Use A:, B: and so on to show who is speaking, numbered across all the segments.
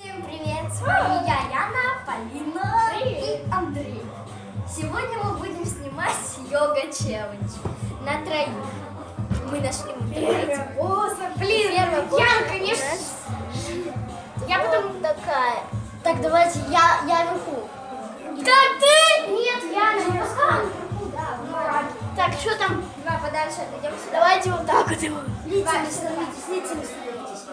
A: Всем привет! С вами я, Яна, Полина и Андрей. Сегодня мы будем снимать йога-челлендж на троих. Мы нашли в интернете. Блин, Яна, конечно. Я потом такая. Так, давайте, я вверху. Да ты! Нет, Яна, не пускай вверху, да. Так, что там? Два подальше отойдем сюда. Давайте вот так вот его. Лицами становитесь, лицами становитесь.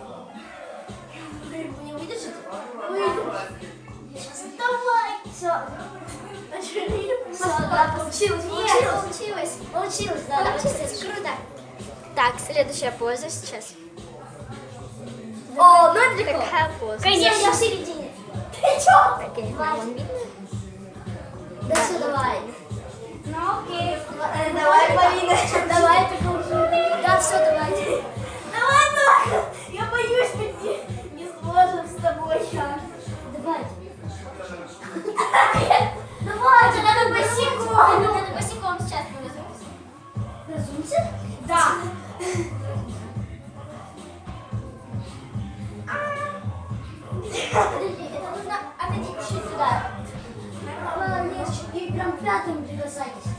A: Не выдержите? Выдержите. Давай! Все. Все, да, получилось. Получилось, да, получилось. Круто. Так, следующая поза сейчас. О, ну это легко. Такая поза. Конечно, я в середине. Ты чё? Вам видно? Да все, давай. Ну окей. Давай, Полина. Давай, покажи. Да, все, давай. Давай, я боюсь, не сможем с тобой, Яна. Давай. Давай, тебе надо босиком. Тебе надо босиком сейчас разумся. Разумся? Да. Подожди, это нужно отойти чуть сюда. И прям пятым прикасайтесь.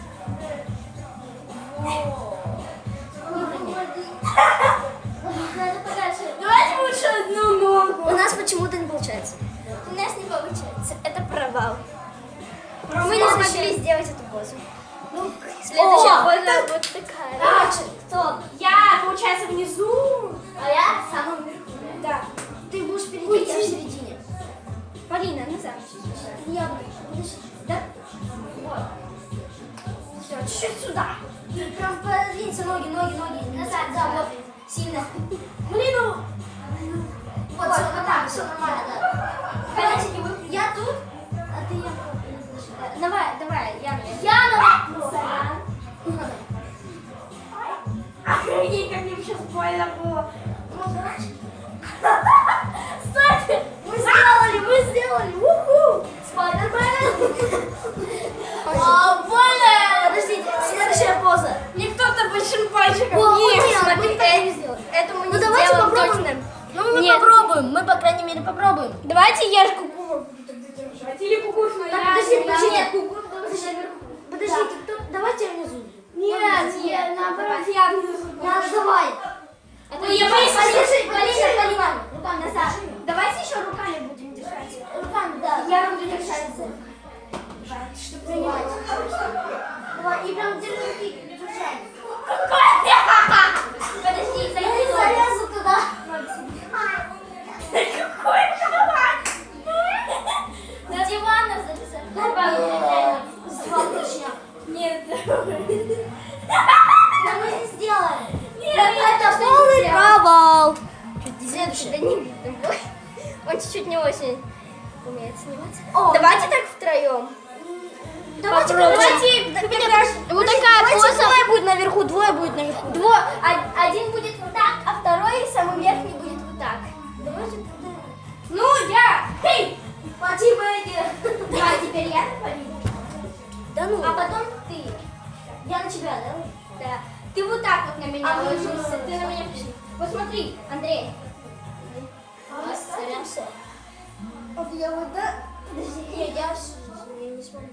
A: Надо подальше. Давайте лучше одну ногу. У нас почему-то не получается. У нас не получается. Это провал. Мы не смогли сделать эту позу. Ну, следующая поза вот такая. Так, стоп. Я, получается, внизу, а я в самом верху. Да. Ты будешь впереди, я в середине. Полина, назад. Я буду. Подожди. Да? Вот. Все, чуть-чуть сюда. И прям подвинься ноги. Назад, да, вот. Сильно. Блин, ну. Вот, все, вот так, все нормально, да. Короче, я тут, а ты я. Давай, Яна. Охренеть, как мне сейчас больно было. Стойте! Мы сделали! Уху! Спайдермен! Больно! Подождите, следующая поза. Не кто-то большим пальчиком. Это мы не сделаем. Ну давайте попробуем. Ну мы попробуем. Мы, по крайней мере, попробуем. Давайте я куку.
B: Или кукушну.
A: Подождите, давайте я внизу.
B: Нет, наоборот, я внизу.
A: Давай.
B: Я боюсь,
A: Полина. Руками назад.
B: давайте еще руками будем держать.
A: Руками, да.
B: Я буду держать.
A: Чтобы принимать. Давай, и прям держи руки. Держать. Подожди, я не залезу туда.
B: Какой кровать?
A: На диван залезай.
B: Нет.
A: Да мы не сделаем.
B: Нет,
A: Это полный провал. Следующий. Да не видно. Он чуть-чуть не очень умеет сниматься. Давайте так втроем. Давайте, вот такая поза. Двое будет наверху, Один будет вот так, а второй, самый верхний, будет вот так. Давайте тогда.
B: Ну, я. Хей!
A: Плати Бэдди. Да, теперь я на Полину.
B: Да ну.
A: А потом ты. Я на тебя, да? Да. Ты вот так вот на меня ложишься. Ты на меня пришли. Вот смотри, Андрей. Стараемся. Вот я вот да. Подожди, я не смогу.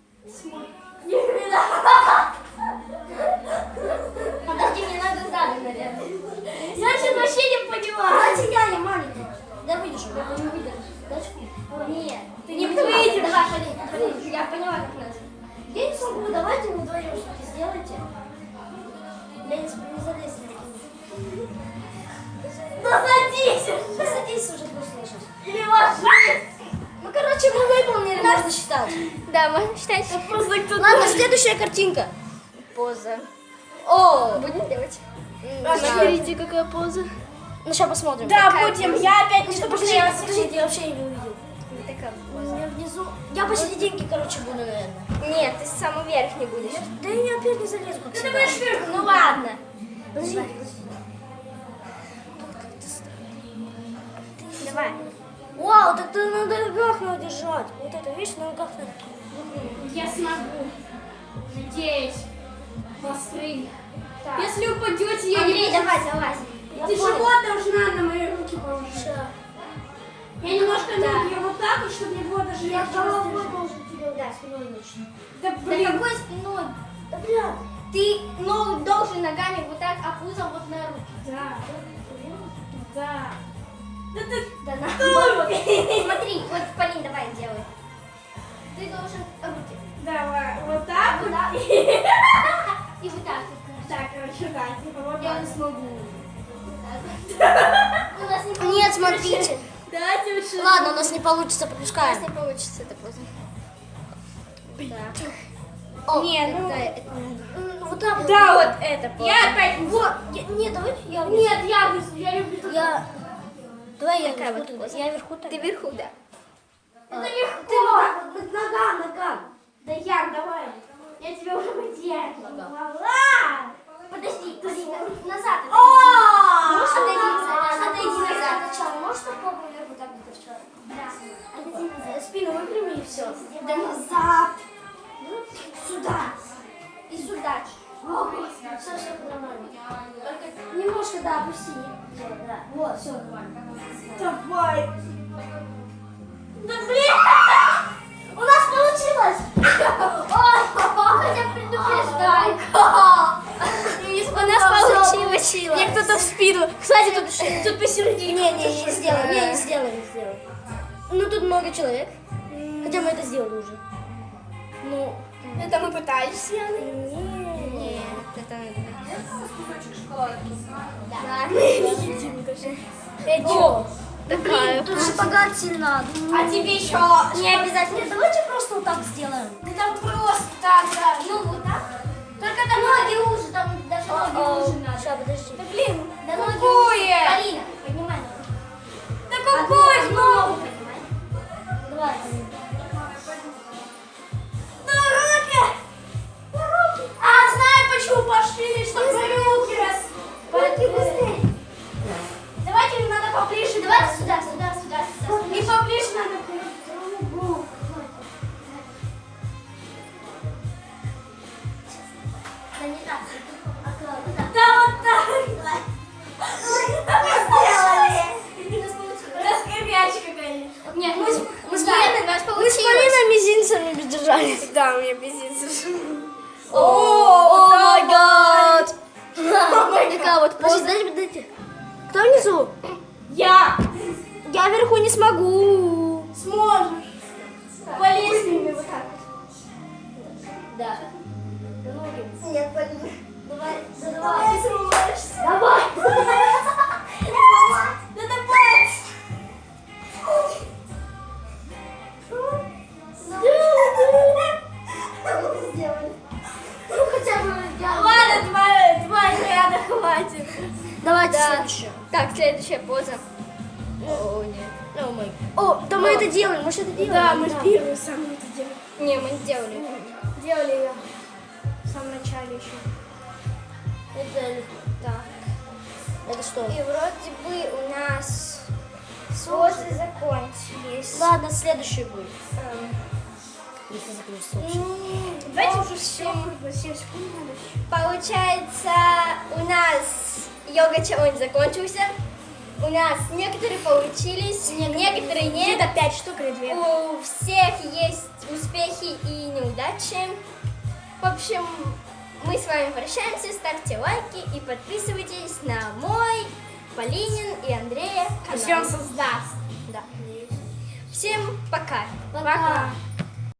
A: Подожди, мне надо сзади, наверное.
B: Я сейчас вообще не поняла.
A: Давайте я маленький. Да выдержу, я не выдержу. Нет,
B: Ты не выйдешь.
A: Давай, Полин, я поняла, как надо. Я не смогу, давайте вы вдвоем что-то сделайте. Я не залезу.
B: Ну садись.
A: Да садись уже, пусть слышишь.
B: Или ложись.
A: Ну, короче, мы выполнили, можно считать.
C: Да, можно считать.
B: Просто кто-то.
A: Ладно, следующая картинка.
C: Поза.
A: О,
C: Будем делать?
B: Смотрите,
C: какая поза.
A: ну сейчас посмотрим.
B: Да,
A: Какая
B: будем.
A: поза.
B: Я опять не чтобы
A: Подождите, я вообще не увидел.
C: Такая
A: У
C: поза.
A: меня внизу. Я посерединке, короче, буду, наверное.
C: Нет, ты самый верхний будешь.
A: Да я опять не залезу, как всегда.
B: будешь вверху.
A: Ну ладно. Подожди.
C: Давай.
A: Вау, так ты на ногах надо держать. Вот это, видишь, на ногах надо.
B: Я смогу. Надеюсь. Посмотри.
A: Так.
B: Если упадете, я
A: Андрей,
B: не буду.
A: давай, залазь. Я
B: Тяжело
A: понял.
B: должна на мои руки положить.
A: Всё.
B: Я не
A: Я головой должен тебе ударить, спиной точно.
B: Да
A: Да
B: блин.
A: какой спиной? Да бля.
C: Ты ногу должен ногами вот так, а пузом вот на руки.
B: Да. Да.
A: Да наоборот.
C: Смотри, вот, Полин, давай, делай. Ты должен руки.
B: Давай. Вот так вот.
C: Да. И вот так.
B: Так, короче, да. Типа вот
C: Я
B: так.
C: не смогу.
A: У нас не Нет, смотрите.
B: Давайте лучше.
A: Ладно, у нас не получится,
C: У нас
A: пропускаем.
C: не получится это поза.
A: О,
B: Не, ну.
C: Да, это
A: вот так вот.
B: Да, вот.
C: это поза.
B: Я опять.
A: Вот. Нет, давайте я.
B: Нет, я внизу, я люблю тут.
A: Я. Давай я
C: Какая
A: вверху
C: вот
A: тогда.
C: поза?
A: Я вверху
C: Ты
A: тогда.
C: вверху, да.
B: Это легко.
A: Ты вот так вот, нога.
B: Да, Ян, давай. Я тебя уже потягивала.
A: Подожди, назад. Отойди назад. Сначала можешь попробовать вверху так где-то вчера? Да. Отойди назад. Спину выпрями и все. Да назад. Сюда. И сюда. Все нормально. Только немножко, да, опусти. Да. Вот, все нормально.
B: Давай.
A: Да блин! У нас получилось! Ой, хотя предупреждай.
C: У нас получилось.
A: Мне кто-то в спину. Кстати, тут посередине. Не сделаем. Ну, тут много человек. Хотя мы это сделали уже. Ну,
B: Это мы пытались с Яной.
C: Нет, это...
A: О,
C: Такая.
A: тут шпагат сильно.
B: А тебе еще.
A: Не обязательно. Давайте просто вот так сделаем.
B: Да там просто так, да.
A: Ну, вот так.
B: Только там
A: Ноги уже, там даже ноги уже надо.
B: Сейчас,
A: подожди.
B: Да блин.
A: Да ноги
B: Какое?
A: уже. Полина, поднимай ногу.
B: Да какой
A: Одну
B: ногу?
A: ногу поднимай. Давай.
B: Да руки. А, знаю, почему пошли, чтобы руки раз.
A: Руки быстрее.
B: Давайте надо поближе.
A: Давайте сюда.
B: И поближе надо к другу.
A: Да не так. Аккуратно. Так.
B: Да вот так. Мы сделали.
A: У нас получилось.
B: Раскрывячка, конечно.
A: Нет, мы с
C: Нет, у нас получилось.
A: мизинцами бездержались.
B: Да, у меня бездельце.
A: О май гад. Такая вот поза. Подождите. Кто внизу?
B: Я.
A: Я вверху не смогу.
B: Сможешь. Полез с ними вот так.
A: Да. Нет, Полина. Давай.
B: Ты сможешь.
A: Давай.
B: Да давай.
A: Ну хотя бы я.
B: Ладно, два ряда хватит.
A: Давайте
C: Да.
A: следующее.
C: Так, следующая поза. О, нет. О, мой.
A: О, да мы это делаем, мы же это делаем.
B: Да, мы в первую самую это делали.
C: Не, мы не сделали.
B: Делали ее в самом начале еще.
A: Это легко.
C: Так.
A: Это что?
C: И вроде бы у нас позы закончились.
A: Ладно, следующий будет. Если закончится вообще.
B: Давайте уже все. 7 секунд надо еще.
C: Получается, у нас йога-челлендж закончился. У нас некоторые получились, некоторые нет.
B: Где-то 5 штук или 2.
C: У всех есть успехи и неудачи. В общем, мы с вами прощаемся. Ставьте лайки и подписывайтесь на мой, Полинин и Андрея
B: Если он
C: канал.
B: создаст.
C: Да. Всем пока.
A: Пока.